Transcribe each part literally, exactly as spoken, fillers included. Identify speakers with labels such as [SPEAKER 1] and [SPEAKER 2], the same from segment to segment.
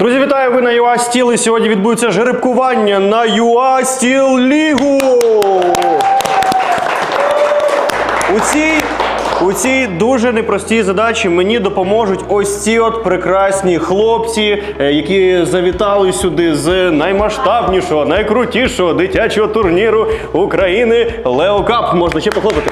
[SPEAKER 1] Друзі, вітаю! Ви на ю а Steel, і сьогодні відбудеться жеребкування на ю а Steel Лігу. У цій, у цій дуже непростій задачі мені допоможуть ось ці от прекрасні хлопці, які завітали сюди з наймасштабнішого, найкрутішого дитячого турніру України Leo Cup. Можна ще похлопати.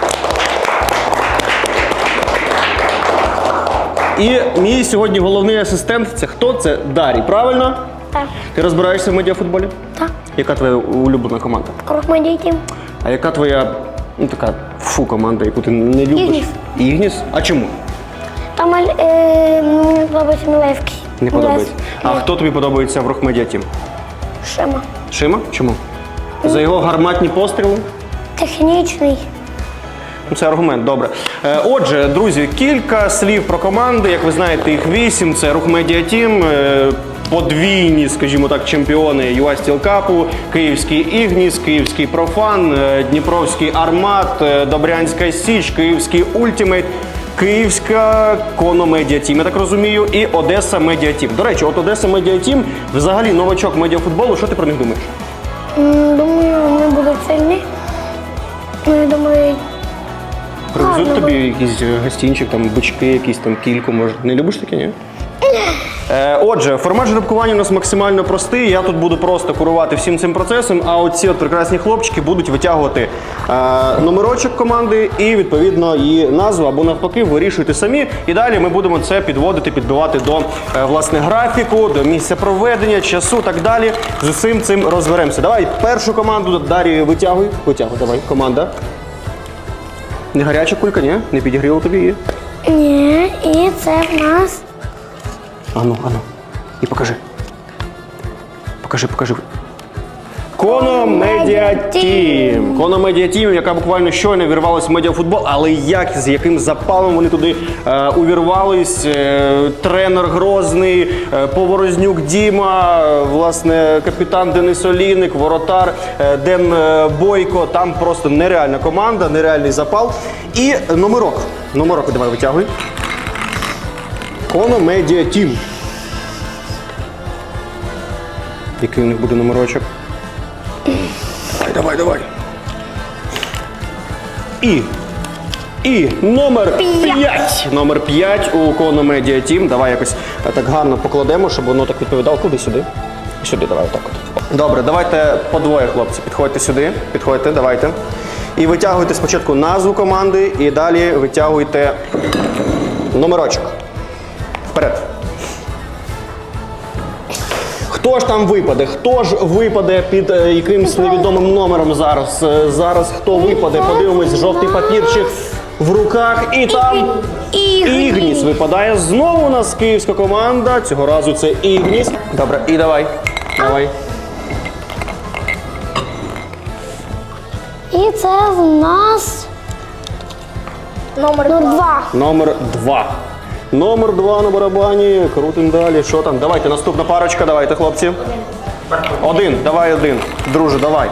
[SPEAKER 1] І мій сьогодні головний асистент – це хто? Це Дарій, правильно?
[SPEAKER 2] Так.
[SPEAKER 1] Ти розбираєшся в медіафутболі?
[SPEAKER 2] Так.
[SPEAKER 1] Яка твоя улюблена команда?
[SPEAKER 2] Рухмедій Тім.
[SPEAKER 1] А яка твоя, ну така, фу, команда, яку ти не любиш?
[SPEAKER 2] Ігніс.
[SPEAKER 1] Ігніс? А чому?
[SPEAKER 2] Там е, мені подобається Мілевський.
[SPEAKER 1] Не подобається. А хто тобі подобається в Рухмедіа Тім?
[SPEAKER 2] Шима.
[SPEAKER 1] Шима? Чому? За його гарматні постріли?
[SPEAKER 2] Технічний.
[SPEAKER 1] Ну, це аргумент, добре. Е, Отже, друзі, кілька слів про команди. Як ви знаєте, їх вісім. Це Рухмедіа Тім, е, подвійні, скажімо так, чемпіони ю а Steel Cup, Київський Ігніс, Київський Профан, е, Дніпровський Армат, е, Добрянська Січ, Київський Ультімейт, Київська Коно Медіа Тім, я так розумію, і Одеса Медіа Тім. До речі, от Одеса Медіа Тім, взагалі новачок медіафутболу, що ти про них думаєш?
[SPEAKER 2] М, Думаю, вони будуть сильні. Ну, я думаю,
[SPEAKER 1] Привезуть
[SPEAKER 2] Гарно
[SPEAKER 1] тобі якийсь гостинчик, там бички, якісь там кільку, може. Не любиш таке, ні? Е, Отже, формат жеребкування у нас максимально простий. Я тут буду просто керувати всім цим процесом, а оці от прекрасні хлопчики будуть витягувати е, номерочок команди і, відповідно, її назву або навпаки вирішуйте самі. І далі ми будемо це підводити, підбивати до е, власне графіку, до місця проведення, часу, так далі. З усім цим розберемося. Давай першу команду, Дар'ю, витягуй. Витягуй, давай, команда. Не гаряча кулька, ні? Не підігріло тобі її?
[SPEAKER 2] ні, і це в нас
[SPEAKER 1] Ану, ану. І покажи. Покажи, покажи. Коно Медіа Тім. Коно Медіа Тім, яка буквально щойно вірвалась в медіафутбол, але як, з яким запалом вони туди е, увірвались. Е, тренер Грозний, е, Поворознюк Діма, е, власне, капітан Денис Олійник, воротар е, Ден е, Бойко. Там просто нереальна команда, нереальний запал. І номерок. Номерок давай витягуй. Коно Медіа Тім. Який у них буде номерочок? Давай, давай, давай. І. І номер п'ять. Номер п'ять у Коно Медіа Тім. Давай якось так гарно покладемо, щоб воно так відповідало. Куди сюди? Сюди, давай, отак от. Добре, давайте по двоє, хлопці. Підходьте сюди. Підходьте, давайте. І витягуйте спочатку назву команди, і далі витягуйте номерочок. Вперед. Хто ж там випаде? Хто ж випаде під е, якимсь невідомим номером зараз? Е, зараз хто випаде? Подивимось, жовтий папірчик в руках. І там
[SPEAKER 2] Ігніс.
[SPEAKER 1] Ігніс випадає. Знову у нас київська команда. Цього разу це Ігніс. Добре, і давай. Давай.
[SPEAKER 2] І це в нас номер два.
[SPEAKER 1] Номер два. Номер два на барабані. Крутим далі. Що там? Давайте, наступна парочка. Давайте, хлопці. Один. Давай один. Друже, давай.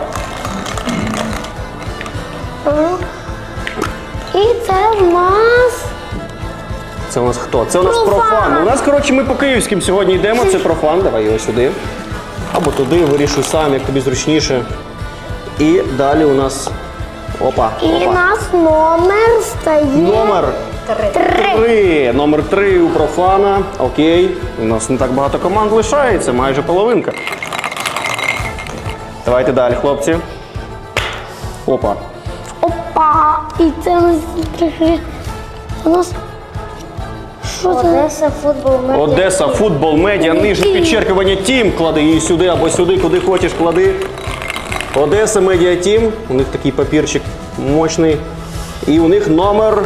[SPEAKER 2] І це в нас
[SPEAKER 1] Це у нас хто? Це у нас
[SPEAKER 2] Профан.
[SPEAKER 1] профан. У нас, коротше, ми по київським сьогодні йдемо. Це профан. Давай його сюди. Або туди, вирішуй сам, як тобі зручніше. І далі у нас... Опа,
[SPEAKER 2] і
[SPEAKER 1] опа.
[SPEAKER 2] в нас номер стає
[SPEAKER 1] Номер
[SPEAKER 2] три.
[SPEAKER 1] три. Номер три у профана. Окей. У нас не так багато команд лишається, майже половинка. Давайте далі, хлопці. Опа.
[SPEAKER 2] Опа! І це у нас трохи. У нас що це?
[SPEAKER 3] Одеса футбол медіа.
[SPEAKER 1] Одеса, футбол, медіа, нижнє підчеркування Тім. Клади її сюди або сюди, куди хочеш, клади. Одеса Медіа Тім. У них такий папірчик мощний. І у них номер...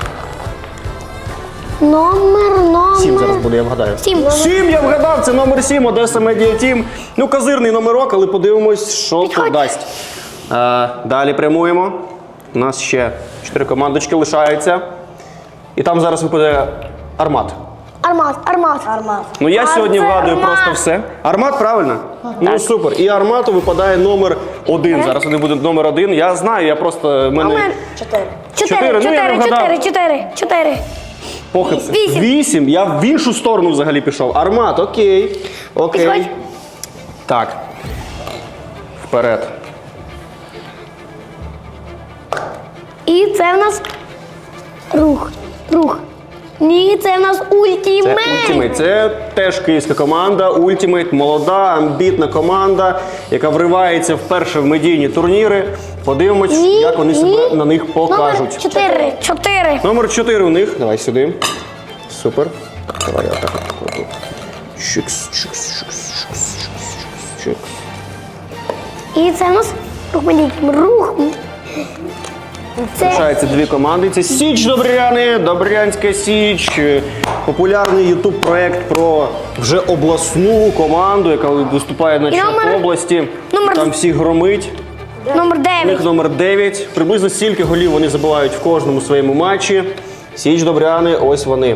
[SPEAKER 2] Номер, номер.
[SPEAKER 1] Сім зараз буде, я вгадаю.
[SPEAKER 2] Сім.
[SPEAKER 1] Сім, я вгадав, це номер сім, Одеса Медіа Тім. Ну, козирний номерок, але подивимось, що
[SPEAKER 2] Підходь.
[SPEAKER 1] тут дасть. А, далі прямуємо. У нас ще чотири командочки лишаються. І там зараз випаде Армат.
[SPEAKER 2] Армат, армат.
[SPEAKER 3] Армат.
[SPEAKER 1] Ну я
[SPEAKER 2] А
[SPEAKER 1] сьогодні
[SPEAKER 2] це
[SPEAKER 1] вгадую
[SPEAKER 2] Армат.
[SPEAKER 1] просто все. Армат, правильно? Ну супер. І Армату випадає номер один. Зараз вони будуть номер один. Я знаю, я просто... в мене...
[SPEAKER 2] Номер
[SPEAKER 3] Чотири.
[SPEAKER 2] чотири,
[SPEAKER 1] Чотири. Ну, я не
[SPEAKER 2] чотири,
[SPEAKER 1] вгадав.
[SPEAKER 2] чотири, чотири, чотири.
[SPEAKER 1] Похибка.
[SPEAKER 2] Вісім.
[SPEAKER 1] Вісім. Я в іншу сторону взагалі пішов. Армат, окей. Окей.
[SPEAKER 2] Підходь.
[SPEAKER 1] Так. Вперед.
[SPEAKER 2] І це в нас рух. Рух. Ні, це в нас
[SPEAKER 1] Це
[SPEAKER 2] ультимейт.
[SPEAKER 1] Ultimate. Це теж київська команда. Ultimate, молода, амбітна команда, яка вривається вперше в медійні турніри. Подивимось,
[SPEAKER 2] Ні,
[SPEAKER 1] як вони себе
[SPEAKER 2] ні.
[SPEAKER 1] на них покажуть.
[SPEAKER 2] Номер чотири. Чотири.
[SPEAKER 1] Номер чотири у них. Давай сюди. Супер. Давай я так. Чикс, чикс, чикс, чикс, чикс, чикс.
[SPEAKER 2] І це в нас рух медійким. Рух. Це
[SPEAKER 1] Залишаються дві команди. Це Січ Добряни, Добрянська Січ. Популярний ютуб проект про вже обласну команду, яка виступає на
[SPEAKER 2] І номер-
[SPEAKER 1] чемпіонаті області.
[SPEAKER 2] номер-
[SPEAKER 1] Там всіх громить.
[SPEAKER 2] номер
[SPEAKER 1] У
[SPEAKER 2] дев'ять.
[SPEAKER 1] них номер дев'ять. Приблизно стільки голів вони забивають в кожному своєму матчі. Січ Добряни, ось вони.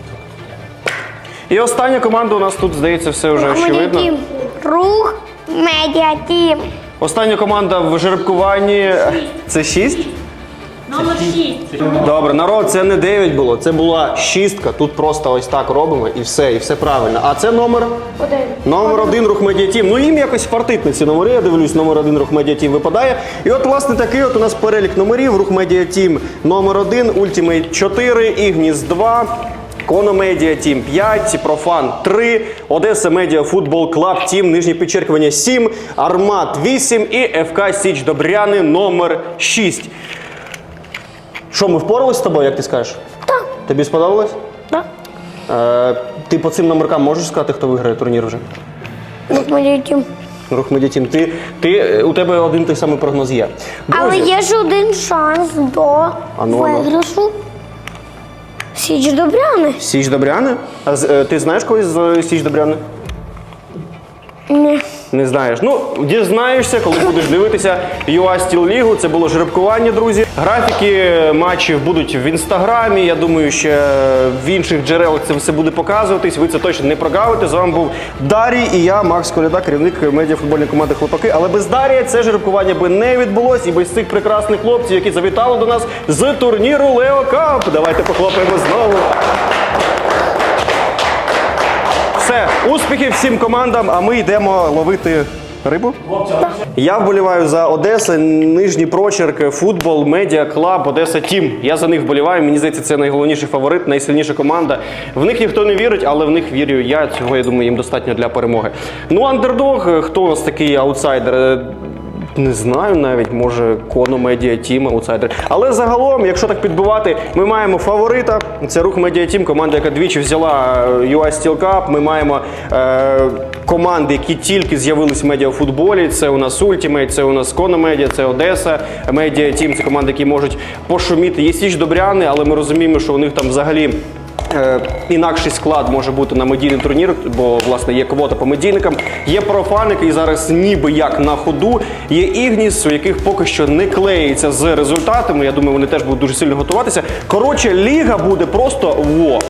[SPEAKER 1] І остання команда у нас тут, здається, все вже
[SPEAKER 2] Рух
[SPEAKER 1] очевидно.
[SPEAKER 2] медіатім. Рух медіатім.
[SPEAKER 1] Остання команда в жеребкуванні – це шість?
[SPEAKER 3] Номер шість.
[SPEAKER 1] Добре, народ, це не дев'ять було, це була шістка. Тут просто ось так робимо і все, і все правильно. А це номер?
[SPEAKER 2] Один.
[SPEAKER 1] Номер один рух медіатім. Ну їм якось фартить на ці номери, я дивлюсь, номер один рух медіатім випадає. І от, власне, такий от у нас перелік номерів. Рух медіатім номер один, Ультимейт чотири, Ігніс два, Коно Медіа Тім п'ять, Профан три, Одеса Медіа Футбол Клаб Тім, нижнє підчеркування сім, Армат вісім і еф ка Січ Добряни номер шість. Що, ми впоралися з тобою, як ти скажеш?
[SPEAKER 2] Так.
[SPEAKER 1] Тобі сподобалось?
[SPEAKER 2] Так.
[SPEAKER 1] Е, ти по цим номеркам можеш сказати, хто виграє турнір вже?
[SPEAKER 2] Рух медіатім.
[SPEAKER 1] Рух Медіатім, ти, ти, у тебе один той самий прогноз є.
[SPEAKER 2] Але
[SPEAKER 1] Друзі,
[SPEAKER 2] є ж один шанс до
[SPEAKER 1] Ану, ану.
[SPEAKER 2] виграшу. Січ Добряни.
[SPEAKER 1] Січ Добряни? А з- е, ти знаєш когось з е, Січ Добряни?
[SPEAKER 2] Ні.
[SPEAKER 1] Не знаєш. Ну, дізнаєшся, коли будеш дивитися ю ей Steel League. Це було жеребкування, друзі. Графіки матчів будуть в інстаграмі. Я думаю, ще в інших джерелах це все буде показуватись. Ви це точно не прогавите. З вами був Дарій і я, Макс Коляда, керівник медіафутбольної команди «Хлопаки». Але без Дарія це жеребкування би не відбулось і без цих прекрасних хлопців, які завітали до нас з турніру Лео Кап. Давайте похлопаємо знову. Все, успіхів всім командам, а ми йдемо ловити рибу. Я вболіваю за Одеса, нижній прочерк, футбол, медіа, клаб, Одеса Тім. Я за них вболіваю, мені здається, це найголовніший фаворит, найсильніша команда. В них ніхто не вірить, але в них вірю я, цього, я думаю, їм достатньо для перемоги. Ну, андердог, хто у нас такий аутсайдер? Не знаю навіть, може Коно Медіа Тім, аутсайдер. Але загалом, якщо так підбивати, ми маємо фаворита. Це Рух Медіа Тім, команда, яка двічі взяла ю ей Steel Cup. Ми маємо е, команди, які тільки з'явились в медіафутболі. Це у нас Ultimate, це у нас Коно Медіа, це Одеса Медіа Тім. Це команди, які можуть пошуміти. Є Січ Добряни, але ми розуміємо, що у них там взагалі Е, інакший склад може бути на медійний турнір, бо, власне, є квота по медійникам. Є Профан, який зараз ніби як на ходу. Є Ігніс, у яких поки що не клеїться з результатами. Я думаю, вони теж будуть дуже сильно готуватися. Коротше, ліга буде просто во.